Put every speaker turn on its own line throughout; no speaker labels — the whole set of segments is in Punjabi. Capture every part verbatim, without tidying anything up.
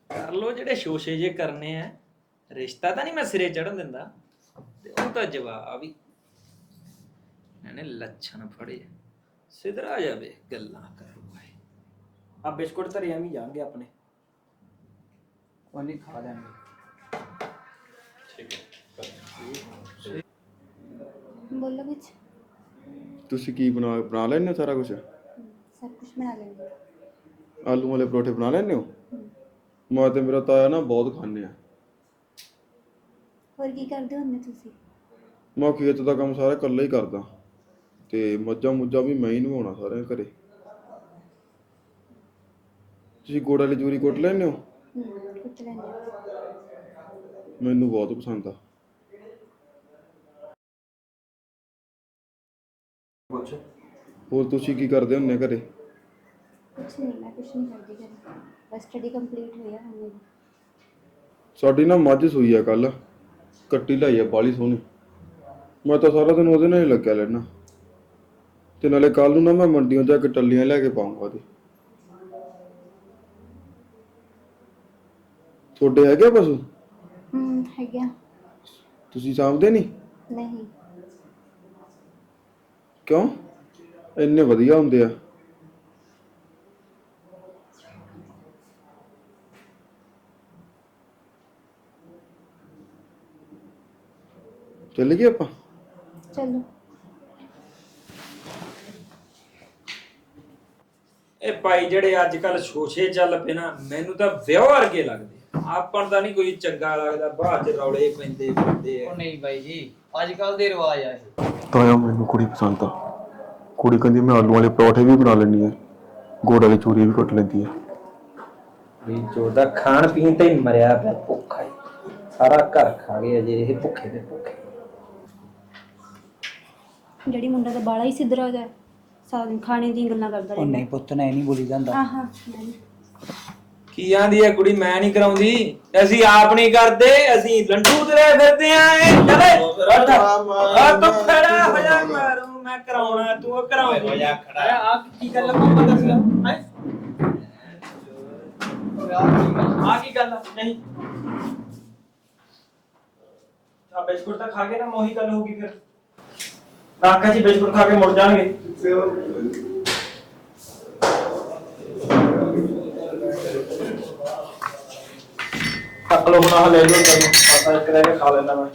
ਕਰ ਲੋ ਜਿਹੜੇ ਸ਼ੋਸ਼ੇ ਜੇ ਕਰਨੇ ਆ। ਰਿਸ਼ਤਾ ਤਾਂ ਨਹੀਂ ਮੈਂ ਸਿਰੇ ਚੜਨ ਦਿੰਦਾ ਤੇ ਉਹ ਤਾਂ ਜਵਾਬ ਹੀ ਇਹਨੇ ਲੱਛਣ ਫੜੇ ਸਿਧਰਾ ਜਾਵੇ ਗੱਲਾਂ ਕਰੂਗਾ।
ਆ ਬਿਸਕੁਟ ਧਰੇ ਐਵੇਂ ਜਾਣਗੇ ਆਪਣੇ ਉਹਨੇ ਖਾ ਲੈਣਗੇ।
ਠੀਕ ਹੈ
बोलो कुछ।
ਤੁਸੀਂ ਕੀ ਬਣਾ ਬਣਾ ਲੈਂਦੇ ਹੋ ਸਾਰਾ ਕੁਝ?
सब कुछ बना लेंगे।
ਆਲੂ ਵਾਲੇ ਪਰੌਠੇ ਬਣਾ ਲੈਂਦੇ ਹੋ? ਮੈਂ ਤੇ ਮੇਰਾ ਤਾਇਆ ਨਾ ਬਹੁਤ ਖਾਂਦੇ ਆ।
और की करते होंगे तुसी?
ਮੈਂ ਖੇਤ ਦਾ ਕੰਮ ਸਾਰਾ ਇਕੱਲਾ ਹੀ ਕਰਦਾ ਤੇ ਮੱਝਾਂ ਮੁੱਝਾਂ ਵੀ ਮੈਂ ਹੀ ਨਵਾਉਣਾ ਸਾਰਿਆਂ ਘਰੇ। ਤੁਸੀਂ ਗੋੜ ਵਾਲੀ ਚੂਰੀ ਕੁੱਟ ਲੈਂਦੇ ਹੋ?
कुछ लेंगे।
ਮੈਨੂੰ ਬਹੁਤ ਪਸੰਦ ਆ।
ਕੁਛ
ਹੋਰ ਤੁਸੀਂ ਕੀ ਕਰਦੇ ਹੁੰਦੇ ਘਰੇ?
कुछ नहीं, मैं कुछ नहीं करती घर। बस स्टडी कंप्लीट हुई है हमने।
ਸਾਡੀ ਨਾ ਮੱਝ ਸੂਈ ਆ ਕੱਲ, ਕੱਟੀ ਲਾਈ ਆ ਬਾਲੀ ਸੋਹਣੀ। ਮੈਂ ਤਾਂ ਸਾਰਾ ਦਿਨ ਉਹਦੇ ਨਾਲ ਹੀ ਲੱਗਿਆ ਰਹਿਣਾ ਤੇ ਨਾਲੇ ਕੱਲ ਨੂੰ ਨਾ ਮੈਂ ਮੰਡੀੋਂ ਜਾ ਕੇ ਟੱਲੀਆਂ ਲੈ ਕੇ ਪਾਉਂਗਾ ਉਹਦੀ। ਤੁਹਾਡੇ ਹੈਗੇ ਪਸ਼ੂ?
हम्म है क्या?
ਤੁਸੀਂ ਸਾਂਭਦੇ ਨਹੀਂ?
नहीं।
ਕਿਉਂ? ਇੰਨੇ ਵਧੀਆ ਹੁੰਦੇ ਆ। ਚੱਲ ਗਏ ਆਪਾਂ?
चलो।
ਇਹ ਭਾਈ ਜਿਹੜੇ ਅੱਜ ਕੱਲ ਸ਼ੋਸ਼ੇ ਚੱਲ ਪਏ ਨਾ ਮੈਨੂੰ ਤਾਂ ਵਿਆਹ ਵਰਗੇ ਲੱਗਦੇ। ਆਪਾਂ ਨੂੰ ਤਾਂ ਨਹੀਂ ਕੋਈ ਚੰਗਾ ਲੱਗਦਾ, ਬਾਅਦ ਚ ਰੌਲੇ ਪੈਂਦੇ ਫਿਰਦੇ ਆ।
ਉਹ ਨਹੀਂ ਬਾਈ ਜੀ, ਅੱਜ ਕੱਲ ਦੇ ਰਿਵਾਜ ਆ ਇਹ।
ਤਾਇਆ ਮੈਨੂੰ ਕੁੜੀ ਪਸੰਦ ਆ। ਕੁੜੀ ਕਹਿੰਦੀ ਮੈਂ ਆਲੂ ਵਾਲੇ ਪਰੌਠੇ ਵੀ ਬਣਾ ਲੈਂਦੀ ਆ, ਗੋੜ ਵਾਲੀ ਚੂਰੀ ਵੀ ਕੁੱਟ ਲੈਂਦੀ ਆ।
ਵੀ ਜੋ ਦਾ ਖਾਣ ਪੀਣ ਤੇ ਹੀ ਮਰਿਆ ਪਿਆ ਭੁੱਖਾ ਹੀ, ਸਾਰਾ ਘਰ ਖਾ ਗਏ ਅਜੇ ਇਹ ਭੁੱਖੇ ਦੇ ਭੁੱਖੇ।
जड़ी मुंडा तो बाला ही सिद्धरा हो जाए, सारा दिन खाने दी गल्लां करदा
ਉਹ ਨਹੀਂ ਪੁੱਤ ਨੇ ਨਹੀਂ ਬੋਲੀ ਜਾਂਦਾ।
हां हां।
ਕੀ ਆਂਦੀ ਹੈ ਕੁੜੀ ਮੈਂ ਨਹੀਂ ਕਰਾਉਂਦੀ, ਅਸੀਂ ਆਪ ਨਹੀਂ ਕਰਦੇ, ਅਸੀਂ ਲੰਡੂ ਤੁਰੇ ਫਿਰਦੇ ਆਂ। ਇਹ ਚਲੇ ਉੱਠ ਆ ਤੂੰ ਖੜਾ ਹੋ ਜਾ, ਮਾਰੂ ਮੈਂ ਕਰਾਉਣਾ ਤੂੰ ਕਰਾਉਂਦੀ ਹੋ ਜਾ ਖੜਾ।
ਆ ਕੀ ਗੱਲ ਮਾਮਾ ਦੱਸ ਹੈ
ਆ ਕੀ ਗੱਲ ਆ? ਨਹੀਂ ਆ ਬਿਸਕੁਟ ਤਾਂ ਖਾ ਕੇ ਨਾ ਮੋਹੀ ਗੱਲ ਹੋਊਗੀ। ਫਿਰ ਕਾਕਾ ਜੀ ਬਿਸਕੁਟ ਖਾ ਕੇ ਮੁੜ ਜਾਣਗੇ। ਕੱਟ ਲੋ ਹੁਣ, ਆਹ ਲੈ ਲਓ ਤੈਨੂੰ ਪਤਾ ਇੱਕ ਰਹਿ ਕੇ ਖਾ ਲੈਂਦਾ ਮੈਂ।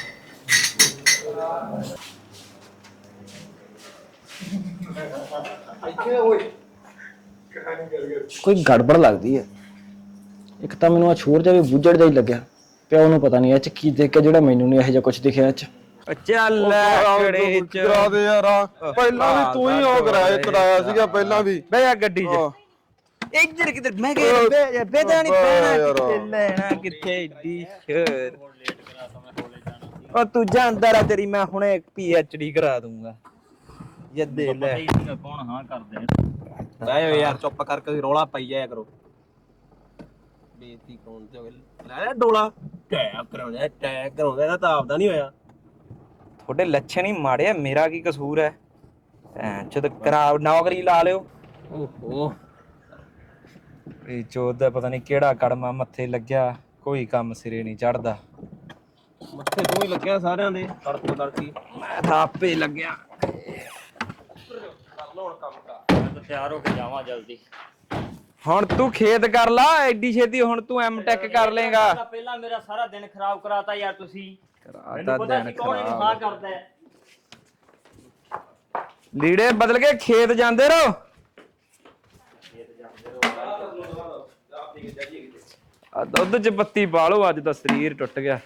ਕੋਈ ਗੜਬੜ ਲੱਗਦੀ ਹੈ। ਇੱਕ ਤਾਂ ਮੈਨੂੰ ਆ ਛੋਰ ਜਾ ਵੀ ਬੁੱਝੜ ਜਾ ਹੀ ਲੱਗਿਆ ਪਿਆ। ਉਹਨੂੰ ਪਤਾ ਨਹੀਂ ਇਹ ਚ ਕੀ ਦੇਖ ਕੇ ਜਿਹੜਾ ਮੈਨੂੰ ਨਹੀਂ ਇਹੋ ਜਿਹਾ ਕੁਝ ਦਿਖਿਆ ਇਹ ਚ।
ਚੱਲ ਕੜੇ ਚ
ਕਰਾ ਦੇ ਯਾਰ। ਪਹਿਲਾਂ ਵੀ ਤੂੰ ਹੀ ਉਹ ਕਰਾਇਆ ਕਰਾਇਆ ਸੀਗਾ ਪਹਿਲਾਂ ਵੀ।
ਬਹਿ ਜਾ ਗੱਡੀ 'ਚ। ਇੱਧਰ ਕਿਧਰ ਮੈਂ ਕਿਹਾ ਬਹਿ ਜਾ, ਬਹਿਦਾ ਨਹੀਂ ਪੈਣਾ ਕਿੱਥੇ ਲੈਣਾ ਕਿੱਥੇ ਏਡੀ ਸ਼ੇਰ। ਉਹ ਤੂੰ ਜਾਂਦਾ ਰਾ, ਤੇਰੀ ਮੈਂ ਹੁਣੇ ਪੀ ਐਚ ਡੀ ਕਰਾ ਦੂੰਗਾ। ਜੱਦੇ ਲੈ
ਕੌਣ ਹਾਂ ਕਰਦੇ
ਬਹਿ ਜਾ ਯਾਰ, ਚੁੱਪ ਕਰਕੇ ਰੌਲਾ ਪਾਈ ਜਾਇਆ ਕਰੋ। ਬੇਇੱਜ਼ਤੀ ਕੌਣ ਤੇ ਲੈ ਲੈ ਡੋਲਾ ਟੈਗ ਕਰਾਉਂਦਾ ਟੈਗ ਕਰਾਉਂਦਾ, ਇਹਦਾ ਤਾਂ ਆਪਦਾ ਨਹੀਂ ਹੋਇਆ। ਤੁਹਾਡੇ ਲੱਛਣ ਹੀ ਮਾੜੇ ਆ, ਮੇਰਾ ਕੀ ਕਸੂਰ ਹੈ? ਜਦ ਕਰਾ ਨੌਕਰੀ ਲਾ ਲਿਓ। ਓਹੋ ਇਹ ਚੋਦ ਦਾ ਪਤਾ ਨਹੀਂ ਕਿਹੜਾ ਕੜਮਾ ਮੱਥੇ ਲੱਗਿਆ, ਕੋਈ ਕੰਮ ਸਿਰੇ ਨਹੀਂ ਚੜਦਾ।
ਮੱਥੇ ਤੋਂ ਹੀ ਲੱਗਿਆ ਸਾਰਿਆਂ ਦੇ ਤੜਕ ਤੜਕੀ।
ਮੈਂ ਤਾਂ ਆਪੇ ਲੱਗਿਆ।
ਤਿਆਰ ਹੋ ਕੇ ਜਾਵਾਂ ਜਲਦੀ।
ਹੁਣ ਤੂੰ ਖੇਤ ਕਰ ਲਾ ਐਡੀ ਛੇਤੀ, ਹੁਣ ਤੂੰ ਐਮ ਟੈਕ ਕਰ ਲੇਗਾ।
ਪਹਿਲਾਂ ਮੇਰਾ ਸਾਰਾ ਦਿਨ ਖਰਾਬ ਕਰਾਤਾ ਯਾਰ ਤੁਸੀਂ।
ਕਰਾਤਾ ਦਿਨ
ਕੌਣ ਇਹਨੂੰ ਹਾਂ ਕਰਦਾ ਹੈ?
ਲੀੜੇ ਬਦਲ ਕੇ ਖੇਤ ਜਾਂਦੇ ਰਹੋ। ਆ ਦੁੱਧ ਚ ਬੱਤੀ ਪਾ ਲਓ, ਅੱਜ ਤਾਂ ਸਰੀਰ ਟੁੱਟ ਗਿਆ।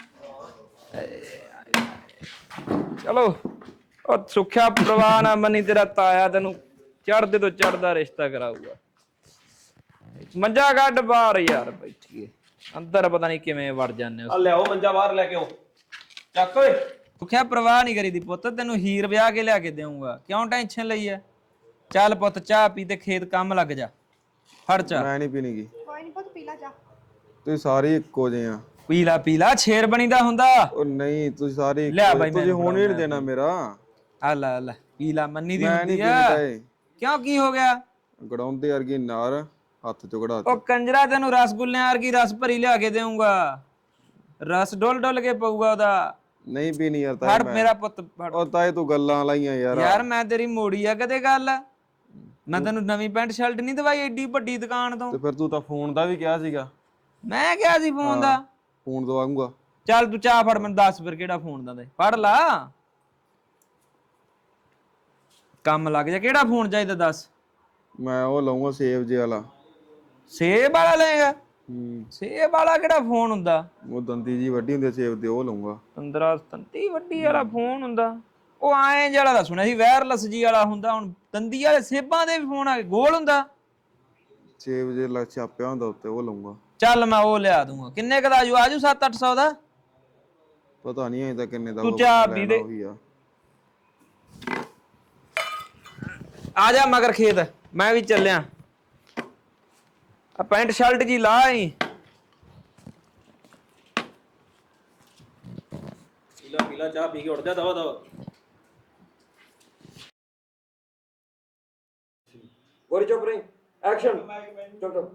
ਚਲੋ ਉਹ ਸੁੱਖਿਆ ਪ੍ਰਵਾਹ ਨਾ ਮੰਨੀ, ਤੇਰਾ ਤਾਇਆ ਤੈਨੂੰ ਚੜਦੇ ਤੋਂ ਚੜਦਾ ਰਿਸ਼ਤਾ ਕਰਾਊਗਾ। ਮੰਜਾ ਕੱਢ ਬਾਹਰ ਯਾਰ, ਬੈਠੀਏ ਅੰਦਰ ਪਤਾ ਨਹੀਂ ਕਿਵੇਂ ਵੜ ਜਾਂਦੇ ਹੋ।
ਆ ਲਿਆਓ ਮੰਜਾ ਬਾਹਰ ਲੈ ਕੇ ਆਓ, ਚੱਕ ਓਏ।
ਸੁੱਖਿਆ ਪ੍ਰਵਾਹ ਨਹੀਂ ਕਰੀਦੀ ਪੁੱਤ, ਤੈਨੂੰ ਹੀਰ ਵਿਆਹ ਕੇ ਲਿਆ ਕੇ ਦੇਊਂਗਾ, ਕਿਉਂ ਟੈਨਸ਼ਨ ਲਈ ਐ? ਚੱਲ ਪੁੱਤ ਚਾਹ ਪੀ ਤੇ ਖੇਤ ਕੰਮ ਲੱਗ ਜਾ। ਫੜ ਚਾਹ।
ਮੈਂ ਨਹੀਂ ਪੀਣੀਗੀ।
कोई नहीं पुੱਤ पीला जा।
ਤੁਸੀਂ ਸਾਰੇ ਇੱਕੋ ਜਿਹੇ ਆ।
ਪੀਲਾ ਪੀਲਾ ਸ਼ੇਰ ਬਣੀਦਾ ਹੁੰਦਾ।
ਉਹ ਨਹੀਂ ਤੁਸੀਂ ਸਾਰੇ
ਲਿਆ ਬਾਈ,
ਤੁਸੀਂ ਹੁਣ ਹੀ ਨਹੀਂ ਦੇਣਾ ਮੇਰਾ।
ਆ ਲੈ ਲੈ ਪੀਲਾ ਮੰਨੀ ਦੀ
ਮੈਂ
ਹੁੰਦੀ
ਨਹੀਂ
ਆ।
ਪੀਂਦਾ ਏ।
ਕਿਉਂ ਕੀ ਹੋ ਗਿਆ?
ਗੜਾਉਂਦੇ ਵਰਗੀ ਨਾਰ ਹੱਥ ਚੋਂ ਕਢਾ
ਉਹ ਕੰਜਰਾ ਤੈਨੂੰ ਰਸਗੁੱਲਿਆਂ ਵਰਗੀ ਰਸ ਭਰੀ ਲਿਆ ਕੇ ਦੇਊਂਗਾ, ਰਸ ਡੋਲ ਡੋਲ ਕੇ ਪਊਗਾ ਉਹਦਾ।
ਨਹੀਂ ਪੀਣੀ ਯਾਰ
ਫੜ
ਤਾਏ ਮੈਂ।
ਮੇਰਾ ਪੁੱਤ ਫੜ।
ਉਹ ਤਾਏ ਤੂੰ ਗੱਲਾਂ ਲਾਈਆਂ ਯਾਰ।
ਯਾਰ ਮੈਂ ਤੇਰੀ ਮੋੜੀ ਆ ਕਦੇ ਗੱਲ? ਮੈਂ ਤੈਨੂੰ ਨਵੀਂ ਪੈਂਟ ਸ਼ਰਟ ਨਹੀਂ ਦਵਾਈ ਏਡੀ ਵੱਡੀ ਦੁਕਾਨ ਤੋਂ।
ਤੇ ਫਿਰ ਤੂੰ ਤਾਂ ਫੋਨ ਦਾ ਵੀ ਕਿਹਾ ਸੀਗਾ।
ਮੈਂ ਕਿਹਾ ਸੀ ਫੋਨ ਦਾ?
ਫੋਨ ਦਵਾਉਂਗਾ।
ਚੱਲ ਤੂੰ ਚਾਹ ਫੜ, ਮੈਨੂੰ ਦੱਸ ਫਿਰ ਕਿਹੜਾ ਫੋਨ ਦਾ ਦੇ, ਫੜ ਲਾ ਕੰਮ ਲੱਗ ਜਾ। ਕਿਹੜਾ ਫੋਨ ਚਾਹੀਦਾ ਦੱਸ?
ਮੈਂ ਉਹ ਲਊਂਗਾ ਸੇਵ ਜੇ ਵਾਲਾ।
ਸੇਬ ਵਾਲਾ ਲਏਗਾ?
ਹੂੰ
ਸੇਬ ਵਾਲਾ ਕਿਹੜਾ ਫੋਨ ਹੁੰਦਾ?
ਉਹ ਦੰਦੀ ਜੀ ਵੱਡੀ ਹੁੰਦੀ ਸੇਵ ਦੇ, ਉਹ ਲਊਂਗਾ।
ਪੰਦਰਾਂ ਤੰਤੀ ਵੱਡੀ ਵਾਲਾ ਫੋਨ ਹੁੰਦਾ? ਉਹ ਐਂ ਜਿਹੜਾ ਦਾ ਸੁਣਿਆ ਸੀ ਵਾਇਰਲੈਸ ਜੀ ਵਾਲਾ ਹੁੰਦਾ, ਹੁਣ ਦੰਦੀ ਵਾਲੇ ਸੇਬਾਂ ਦੇ ਵੀ ਫੋਨ ਆ ਗਏ, ਗੋਲ ਹੁੰਦਾ?
ਸੇਵ ਜੇ ਲਾ ਛਾਪਿਆ ਹੁੰਦਾ ਉੱਤੇ, ਉਹ ਲਊਂਗਾ।
ਚੱਲ ਮੈਂ ਉਹ ਲਿਆ ਦੂੰਗਾ। ਕਿੰਨੇ ਕ ਦਾ ਆਜੂ? ਆਜੂ ਸੱਤ ਅੱਠ ਸੌ ਦਾ?
ਪਤਾ ਨਹੀਂ ਅਜੇ ਤਾਂ ਕਿੰਨੇ ਦਾ।
ਤੂੰ ਚਾਹ ਪੀ ਦੇ। ਆ ਜਾ ਮਗਰ ਖੇਤ, ਮੈਂ ਵੀ ਚੱਲਿਆ। ਆ ਪੈਂਟ ਸ਼ਰਟ ਜੀ ਲਾ ਆਈ। ਪੀਲਾ ਪੀਲਾ ਚਾਹ ਪੀ ਕੇ ਉੱਠ ਜਾ ਦਵਾ ਦਵਾ। ਗੋਰੀ ਚੁੱਪ ਰਹੀ, ਐਕਸ਼ਨ। ਚੁੱਪ ਚੁੱਪ।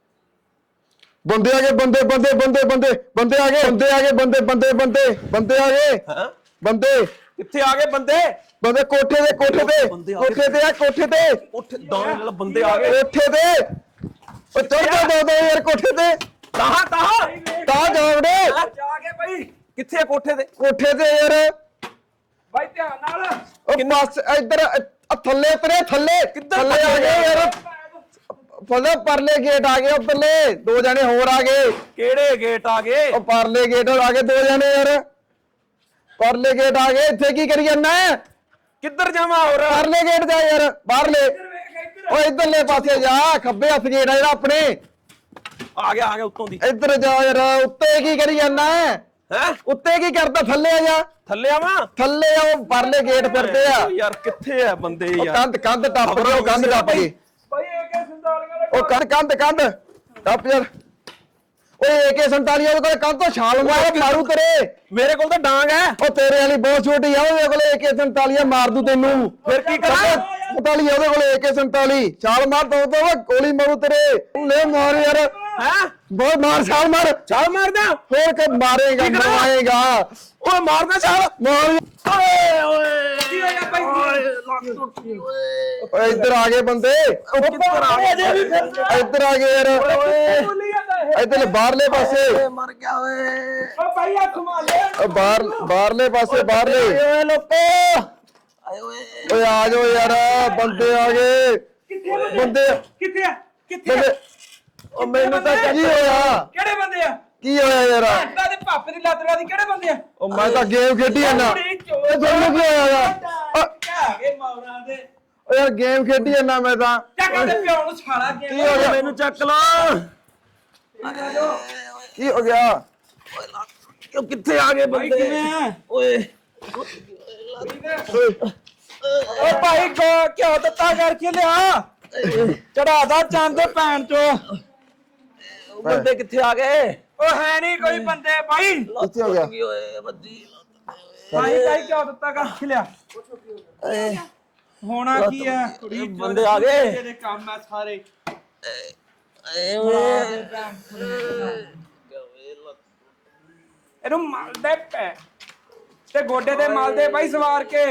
ਬੰਦੇ ਆ ਗਏ, ਬੰਦੇ ਬੰਦੇ ਬੰਦੇ ਬੰਦੇ ਬੰਦੇ ਆ ਗਏ, ਬੰਦੇ ਆ ਗਏ, ਬੰਦੇ ਬੰਦੇ ਬੰਦੇ ਬੰਦੇ ਆ ਗਏ।
ਹਾਂ
ਬੰਦੇ
ਕਿੱਥੇ ਆ ਗਏ ਬੰਦੇ?
ਬੰਦੇ ਕੋਠੇ ਦੇ ਕੋਠੇ ਤੇ ਕੋਠੇ ਤੇ ਆ ਕੋਠੇ ਤੇ
ਉੱਠ ਦਾਣੇ ਨਾਲ ਬੰਦੇ ਆ ਗਏ
ਕੋਠੇ ਤੇ। ਉਹ ਚੜ ਜਾ ਦੋ ਦੋ ਯਾਰ ਕੋਠੇ ਤੇ।
ਤਾਹਾਂ ਤਾਹਾਂ
ਤਾਂ ਜਾਵੜੇ
ਜਾ ਕੇ ਬਈ। ਕਿੱਥੇ ਆ ਕੋਠੇ ਤੇ?
ਕੋਠੇ ਤੇ ਯਾਰ
ਬਾਈ ਧਿਆਨ ਨਾਲ।
ਉਹ ਬਸ ਇੱਧਰ ਅ- ਥੱਲੇ ਉਤਰੇ ਥੱਲੇ ਥੱਲੇ ਆ ਗਏ ਯਾਰ। ਫਲੇ ਪਰਲੇ ਗੇਟ ਆ ਗਏ, ਉੱਪਰਲੇ ਦੋ ਜਣੇ ਹੋਰ ਆ ਗਏ।
ਕਿਹੜੇ ਗੇਟ ਆ ਗਏ?
ਉਹ ਪਰਲੇ ਗੇਟ ਆ ਗਏ ਦੋ ਜਣੇ ਯਾਰ। ਪਰਲੇ ਗੇਟ ਆ ਗਏ। ਇੱਥੇ ਕੀ ਕਰੀ ਜਾਂਦਾ?
ਕਿੱਧਰ ਜਾਵਾਂ ਹੋਰ?
ਪਰਲੇ ਗੇਟ ਜਾ ਯਾਰ, ਬਾਹਰਲੇ। ਓ ਇਧਰਲੇ ਪਾਸੇ ਜਾ, ਖੱਬੇ ਹੱਥ ਗੇਟ ਆ ਜਿਹੜਾ ਆਪਣੇ।
ਆ ਗਿਆ ਆ ਗਿਆ ਉੱਤੋਂ ਦੀ।
ਇੱਧਰ ਜਾ ਯਾਰ। ਉੱਤੇ ਕੀ ਕਰੀ ਜਾਂਦਾ?
ਹੈ
ਉੱਤੇ ਕੀ ਕਰਦਾ? ਥੱਲੇ ਆ ਜਾ।
ਥੱਲੇ ਆਵਾਂ?
ਥੱਲੇ ਆ, ਉਹ ਪਰਲੇ ਗੇਟ ਫਿਰਦੇ ਆ।
ਯਾਰ ਕਿੱਥੇ ਆ ਬੰਦੇ
ਉਹ
ਯਾਰ?
ਕੰਧ ਕੰਧ ਟੱਪ ਗਏ, ਉਹ ਕੰਧ ਟੱਪ ਗਈ।
ਬਾਈ ਇਹ ਕੇ ਸੰਦਾਲੀਆਂ ਦਾ
ਉਹ ਕੰਧ ਕੰਧ ਕੰਧ ਟੱਪ ਯਾਰ। ਓਏ ਏ ਕੇ ਸੰਤਾਲੀ ਉਹਦੇ ਕੋਲ ਕੰਧ ਤੋਂ ਛਾਲ ਮਾਰ ਮਾਰੂ ਤੇਰੇ।
ਮੇਰੇ ਕੋਲ ਤਾਂ ਡਾਂਗ ਹੈ।
ਉਹ ਤੇਰੇ ਵਾਲੀ ਬਹੁਤ ਛੋਟੀ ਆ, ਉਹਦੇ ਕੋਲ ਏ ਕੇ ਸੰਤਾਲੀ ਮਾਰ ਦੂ ਤੈਨੂੰ।
ਫਿਰ ਕੀ ਕਰਾਂ?
ਸੰਤਾਲੀ ਉਹਦੇ ਕੋਲ ਏ ਕੇ ਸੰਤਾਲੀ। ਛਾਲ ਮਾਰ ਦੋ ਦੋ ਗੋਲੀ ਮਾਰੂ ਤੇਰੇ। ਲੈ ਮਾਰ ਯਾਰ।
ਹੈ
ਬਹੁਤ ਮਾਰ, ਛਾਲ ਮਾਰ।
ਛਾਲ ਮਾਰਦਾ?
ਹੋਰ ਕਿ ਮਾਰੇਗਾ, ਮਰਵਾਏਗਾ।
ਓਏ ਮਾਰਦਾ ਛਾਲ।
ਮਾਰ।
ਓਏ ਓਏ ਕੀ ਹੋਇਆ ਬਾਈ? ਓਏ
ਓਏ ਇੱਧਰ ਆ ਗਏ ਬੰਦੇ।
ਕਿੱਧਰ ਆ ਗਏ? ਅਜੇ ਵੀ ਫਿਰਦੇ।
ਇੱਧਰ ਆ ਗਏ ਯਾਰ।
ਬੋਲੀ ਜਾਂਦਾ ਇਹ।
ਇੱਧਰ ਬਾਹਰਲੇ ਪਾਸੇ।
ਮਰ ਗਿਆ ਓਏ। ਓ ਭਾਈ ਆ ਘੁਮਾ ਲੈ।
ਓ ਬਾਹਰ ਬਾਹਰਲੇ ਪਾਸੇ, ਬਾਹਰਲੇ।
ਓਏ ਲੋਕੋ ਆਏ ਓਏ।
ਓਏ ਆ ਜਾਓ ਯਾਰ, ਬੰਦੇ ਆ ਗਏ।
ਕਿੱਥੇ
ਬੰਦੇ
ਕਿੱਥੇ ਆ? ਕਿੱਥੇ ਆ?
ਬੰਦੇ। ਉਹ ਮੈਨੂੰ ਤਾਂ ਕੀ ਹੋਇਆ?
ਕਿਹੜੇ ਬੰਦੇ ਆ?
ਕੀ ਹੋਇਆ ਯਾਰ?
ਅੱਡਾ ਦੇ ਪਾਪੇ ਦੀ ਲਾਤਰਾ ਦੀ ਕਿਹੜੇ ਬੰਦੇ ਆ?
ਉਹ ਮੈਂ ਤਾਂ ਗੇਮ ਖੇਡੀ ਜਾਂਦਾ।
ਕੁੜੀ ਚੋਰ
ਇਹ ਤੁਹਾਨੂੰ ਕੀ ਹੋਇਆ ਯਾਰ?
ਆ ਗਏ ਮੌਰਾਂ ਦੇ।
ਓ ਯਾਰ ਗੇਮ ਖੇਡੀ ਜਾਂਦਾ ਮੈਂ ਤਾਂ।
ਚੱਕ ਦੇ ਪਿਓ ਨੂੰ ਛਾਲਾ ਕੇ।
ਕੀ ਹੋ ਗਿਆ?
ਮੈਨੂੰ ਚੱਕ ਲਾ।
ਕੀ ਹੋ ਗਿਆ?
ਕਿਉਂ ਕਿੱਥੇ ਆ ਗਏ ਬੰਦੇ? ਓਏ ਓ ਭਾਈ ਕੋ ਕਿਉਂ ਦਿੱਤਾ ਕਰਕੇ ਲਿਆ? ਚੜਾਦਾ ਚੰਦ ਭੈਣ ਚੋ। ਬੰਦੇ ਕਿੱਥੇ ਆ ਗਏ? ਓ ਹੈ ਨਹੀਂ ਕੋਈ ਬੰਦੇ ਭਾਈ।
ਕਿੱਥੇ ਹੋ ਗਿਆ?
ਓਏ ਬੱਦੀ ਭਾਈ ਭਾਈ ਕਿਉਂ ਦਿੱਤਾ ਕਰਕੇ ਲਿਆ? ਹੋਣਾ ਕੀ ਹੈ? ਕੁੜੀ ਬੰਦੇ ਆ ਗਏ। ਤੇਰੇ ਕੰਮ ਆ ਸਾਰੇ। ਏ ਓਏ ਇਹਨੂੰ ਮਲਦੇ ਪੈ ਤੇ ਗੋਡੇ ਤੇ ਮਲਦੇ ਭਾਈ ਸਵਾਰ ਕੇ।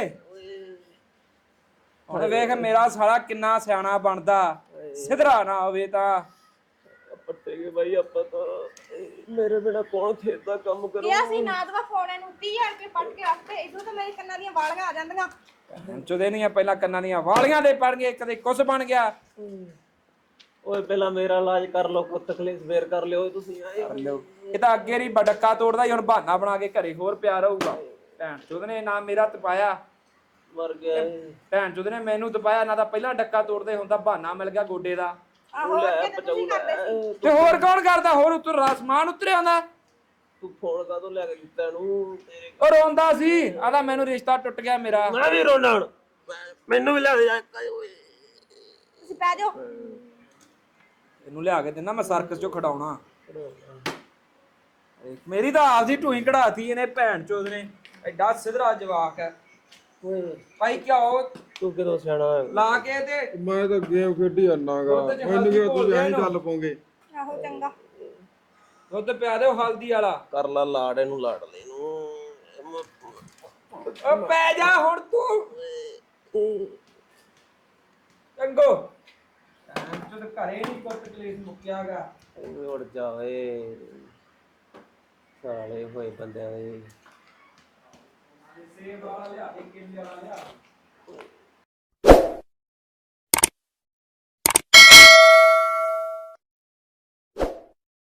ਹੁਣ ਵੇਖ ਮੇਰਾ ਸਾਲਾ ਕਿੰਨਾ ਸਿਆਣਾ ਬਣਦਾ, ਸਿਧਰਾ ਨਾ ਹੋਵੇ ਤਾਂ ਪੱਟੇ ਗਏ ਭਾਈ। ਆਪਾਂ ਤਾਂ ਮੇਰੇ ਬਿਨਾ ਕੌਣ ਖੇਤ ਦਾ ਕੰਮ ਕਰੂ?
ਇਹ ਅਸੀਂ ਨਾ ਦਵਾ ਫੋਨ ਇਹਨੂੰ ਤੀਹ ਹਜ਼ਾਰ ਰੁਪਏ ਪੱਟ ਕੇ ਰੱਖਦੇ, ਇਦੋਂ ਤਾਂ ਮੇਰੇ ਕੰਨਾਂ ਦੀਆਂ ਵਾਲੀਆਂ ਆ ਜਾਂਦੀਆਂ।
ਚੁਦੇ ਨਹੀਂ ਪਹਿਲਾਂ ਕੰਨਾਂ ਦੀਆਂ ਵਾਲੀਆਂ ਦੇ ਪੜ ਗਏ, ਕਦੇ ਕੁਛ ਬਣ ਗਿਆ।
ਓਏ ਪਹਿਲਾਂ ਮੇਰਾ ਇਲਾਜ ਕਰ ਲਓ, ਕੋ ਤਕਲੀਫ ਫੇਰ ਕਰ ਲਿਓ ਤੁਸੀਂ ਆਏ।
ਇਹ ਤਾਂ ਅੱਗੇ ਰੀ ਬਡੱਕਾ ਤੋੜਦਾ, ਹੁਣ ਬਹਾਨਾ ਬਣਾ ਕੇ ਘਰੇ ਹੋਰ ਪਿਆ ਰਹੂਗਾ। ਭੈਣ ਚੁਦ ਨੇ ਨਾ ਮੇਰਾ ਤਪਾਇਆ,
ਮਰ ਗਿਆ।
ਭੈਣ ਚੁਦ ਨੇ ਮੈਨੂੰ ਤਪਾਇਆ ਨਾ। ਤਾਂ ਪਹਿਲਾਂ ਡੱਕਾ ਤੋੜਦੇ ਹੁੰਦਾ, ਬਹਾਨਾ ਮਿਲ ਗਿਆ ਗੋਡੇ ਦਾ।
ਆਹੋ ਅੱਗੇ ਤਾਂ ਤੁਸੀਂ ਕਰਦੇ ਸੀ।
ਤੇ ਹੋਰ ਕੌਣ ਕਰਦਾ? ਹੋਰ ਉੱਤਰ ਆਸਮਾਨ ਉਤਰਿਆ ਹੁੰਦਾ।
ਤੂੰ ਫੋਨ ਕਾਹਤੋਂ ਲੈ ਕੇ ਦਿੱਤਾ ਇਹਨੂੰ? ਤੇਰੇ
ਉਹ ਰੋਂਦਾ ਸੀ, ਆਦਾ ਮੈਨੂੰ ਰਿਸ਼ਤਾ ਟੁੱਟ ਗਿਆ ਮੇਰਾ।
ਮੈਂ ਵੀ ਰੋਣਾ ਹੁਣ, ਮੈਨੂੰ ਵੀ ਲੈ ਕੇ ਜਾ।
ਤੁਸੀਂ ਪੈ ਜਾਓ।
ਇਹਨੂੰ ਲਿਆ ਕੇ ਦਿੰਦਾ ਮੈਂ ਸਰਕਸ ਚੋਂ ਖੜਾਉਣਾ। ਮੇਰੀ ਤਾਂ ਆਪਦੀ ਢੂਈ ਕਢਾਤੀ ਇਹਨੇ ਭੈਣ ਚੋਦ ਨੇ। ਐਡਾ ਸਿਧਰਾ ਜਵਾਕ ਹੈ ਭਾਈ। ਕਿਉਂ
ਤੂੰ ਕਿਦੋਂ ਸਿਆਣਾ ਹੋਇਆ?
ਲਾ ਕੇ ਤੇ
ਮੈਂ ਤਾਂ ਗੇਮ ਖੇਡੀ ਜਾਂਦਾਗਾ
ਦੁੱਧ 'ਚ
ਮੈਨੂੰ
ਹਲਦੀ
ਕੀ
ਘੋਲ
ਤੁਸੀਂ
ਦਿਆ
ਐਂ
ਇਹਨੂੰ।
ਚੱਲ ਪੋਗੇ।
ਆਹੋ ਚੰਗਾ।
ਦੁੱਧ ਪਿਆ ਦਿਓ ਹਲਦੀ ਵਾਲਾ।
ਕਰ ਲਾ ਲਾੜ ਇਹਨੂੰ ਲਾੜ ਲੈ ਨੂੰ।
ਓ ਪੈ ਜਾ ਹੁਣ ਤੂੰ ਚੰਗੋ ਜਦ ਘਰੇ ਨਹੀਂ ਕੁੱਤ ਕਲੇਸ਼ ਮੁੱਕਿਆਗਾ।
ਉੜ ਜਾਵੇ ਸਾਲੇ ਹੋਏ ਬੰਦਿਆਂ ਦੇ।
ਸੇਬ ਵਾਲਾ ਲਿਆ ਦੇ, ਕੇਲੇ ਵਾਲਾ ਲਿਆ।